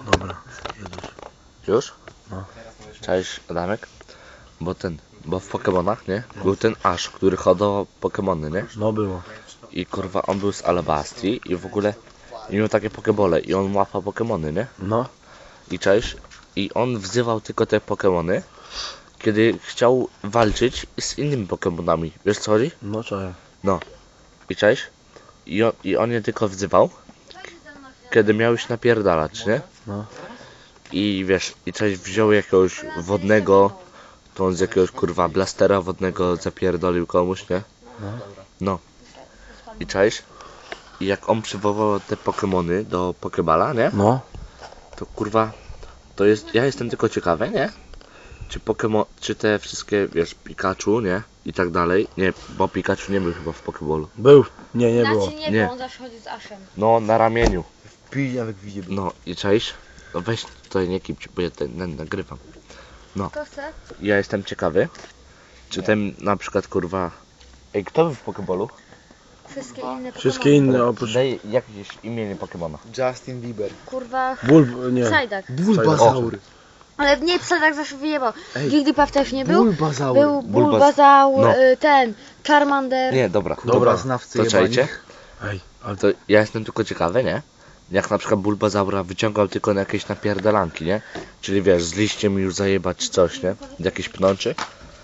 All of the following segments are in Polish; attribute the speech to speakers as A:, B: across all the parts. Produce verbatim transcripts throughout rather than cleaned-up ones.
A: Dobra, jedziesz.
B: Już?
A: No.
B: Cześć Adamek. Bo ten, bo w Pokemonach, nie? Był ten Ash, który hodował Pokemony, nie?
A: No było.
B: I kurwa on był z Alabastrii i w ogóle i miał takie Pokebole i on łapał Pokemony, nie?
A: No.
B: I cześć. I on wzywał tylko te Pokemony, kiedy chciał walczyć z innymi Pokemonami. Wiesz co chodzi?
A: No czaję.
B: No. I cześć. I on, I on je tylko wzywał, kiedy miał już napierdalać, nie?
A: No.
B: I wiesz, i cześć wziął jakiegoś wodnego, to on z jakiegoś kurwa blastera wodnego zapierdolił komuś, nie?
A: No.
B: No. I cześć. I jak on przywołał te Pokemony do Pokeballa, nie?
A: No.
B: To kurwa, to jest, ja jestem tylko ciekawy, nie? Czy Pokemon, czy te wszystkie, wiesz, Pikachu, nie? I tak dalej. Nie, bo Pikachu nie był chyba w Pokeballu.
A: Był. Nie, nie było.
C: Znaczy nie,
B: Nie.
C: bo on zawsze chodzi z Ashem.
B: No, na ramieniu.
D: Pijawek widzi.
B: No i cześć. No weź tutaj nie kipcie, bo ja ten, ten nagrywam.
C: Kto chce?
B: Ja jestem ciekawy, czy ten na przykład kurwa... Ej, kto był w Pokeballu?
C: Wszystkie inne
A: Wszystkie
C: Pokemony.
A: inne oprócz...
B: Daj jakieś imienie Pokemona.
D: Justin Bieber.
C: Kurwa,
A: Bulb... nie.
C: Psyduck.
D: Bulbasaur.
C: Ale nie, Psyduck zawsze wyjebał.
D: Ej.
C: Jigglypuff też nie był.
D: Bulbasaur.
C: Był
B: Bulbas-
C: Bulbasaur,
B: no.
C: y, ten, Charmander.
B: Nie, dobra.
D: Dobra, znawcy
B: To
D: jebani.
B: czajcie?
A: Ej, ale
B: To ja jestem tylko ciekawy, nie? Jak na przykład Bulbasaura wyciągał tylko na jakieś napierdalanki, nie? Czyli wiesz, z liściem już zajebać czy coś, nie? Jakieś pnączy.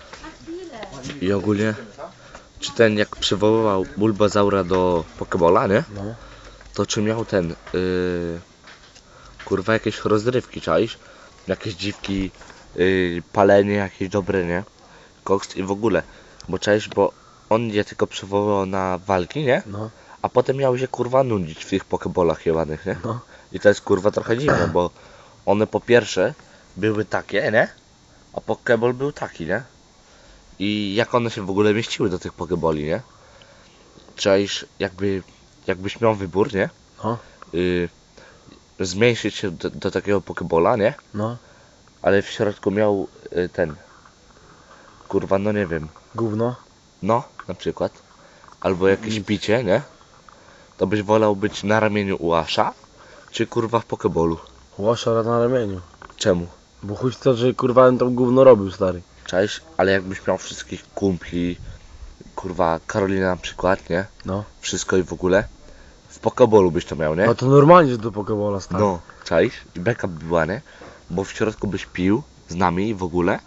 B: I ogólnie, czy ten jak przywoływał Bulbasaura do Pokeballa, nie?
A: No.
B: To czy miał ten, yy, kurwa jakieś rozrywki, czaisz? Jakieś dziwki, yy, palenie jakieś dobre, nie? Koks i w ogóle. Bo czaisz, bo on je tylko przywoływał na walki, nie?
A: No.
B: A potem miał się kurwa nudzić w tych pokebolach jebanych, nie?
A: No.
B: I to jest kurwa trochę dziwne, bo one po pierwsze były takie, nie? A pokeball był taki, nie? I jak one się w ogóle mieściły do tych pokeboli, nie? Czaisz, jakby, jakbyś miał wybór, nie?
A: No.
B: Y, zmniejszyć się do, do takiego pokebola, nie?
A: No.
B: Ale w środku miał y, ten, kurwa, no nie wiem,
A: Gówno.
B: no, na przykład, albo jakieś picie, nie? To byś wolał być na ramieniu u Asha, czy kurwa w pokebolu?
A: Łaszara na ramieniu.
B: Czemu?
A: Bo chuj to, że kurwa on tam gówno robił, stary.
B: Cześć, ale jakbyś miał wszystkich kumpli, kurwa, Karolina na przykład, nie?
A: No.
B: Wszystko i w ogóle, w pokebolu byś to miał, nie?
A: No to normalnie, że do Pokebola, stary.
B: No, cześć, i beka by była, nie? Bo w środku byś pił z nami w ogóle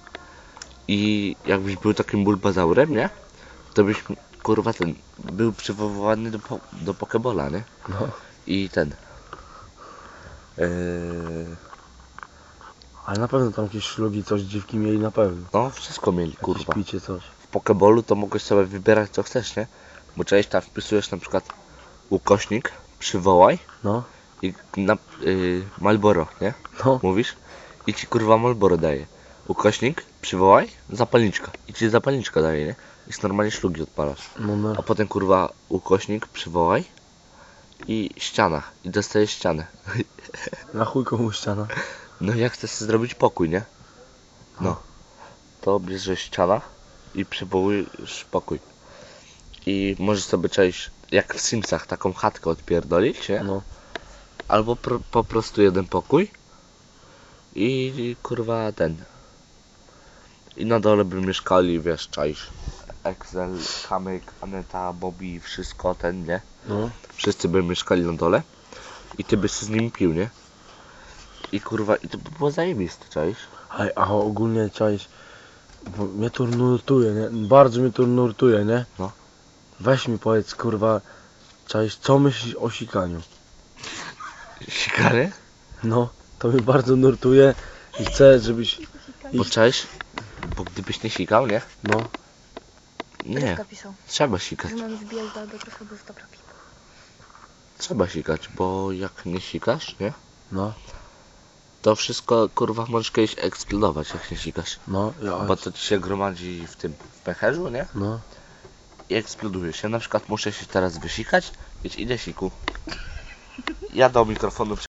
B: i jakbyś był takim Bulbasaurem, nie? To byś, kurwa, ten, był przywoływany do, po, do Pokebola, nie?
A: No.
B: I ten... Yy,
A: Ale na pewno tam jakieś szlugi, coś dziwki mieli na pewno.
B: no, wszystko mieli,
A: Jakieś
B: kurwa.
A: picie, coś.
B: W Pokebolu to mogłeś sobie wybierać co chcesz, nie? Bo cześć, tam wpisujesz na przykład ukośnik, przywołaj
A: No.
B: i na yy, Malboro, nie?
A: No.
B: Mówisz i ci kurwa Malboro daje. Ukośnik, przywołaj, zapalniczka. I ci zapalniczka daje, nie? I z normalnie szlugi odpalasz.
A: No, no.
B: A potem kurwa ukośnik, przywołaj i ściana. I dostajesz ścianę.
A: Na chuj komuś ściana.
B: No jak chcesz sobie zrobić pokój, nie? No. To bierzesz ściana i przywołujesz pokój. I możesz sobie cześć, jak w Simsach, taką chatkę odpierdolić, nie?
A: No.
B: Albo pro, po prostu jeden pokój i, i kurwa ten. I na dole by mieszkali, wiesz, czaisz. Excel, Kamyk, Aneta, Bobby, wszystko ten, nie?
A: No.
B: Wszyscy by mieszkali na dole i ty byś z nim pił, nie? I kurwa, i to by było zajebiste, czaisz?
A: A, a ogólnie czaisz, bo mnie to nurtuje, nie? Bardzo mnie to nurtuje, nie?
B: No.
A: Weź mi powiedz, kurwa, czaisz, co myślisz o sikaniu?
B: Sikary?
A: No, to mnie bardzo nurtuje i chcę, żebyś...
B: Bo czaisz? Bo gdybyś nie sikał, nie?
A: No,
B: Nie,
C: Rybka pisał,
B: trzeba sikać.
C: że mam wbijać do albo trochę, bo jest dobra piwa.
B: Trzeba sikać, bo jak nie sikasz, nie?
A: no,
B: To wszystko kurwa możesz kiedyś eksplodować jak nie sikasz.
A: no, ja,
B: Bo to ci się gromadzi w tym w pęcherzu, nie?
A: no.
B: I eksploduje się. Na przykład muszę się teraz wysikać, więc idę siku. Ja do mikrofonu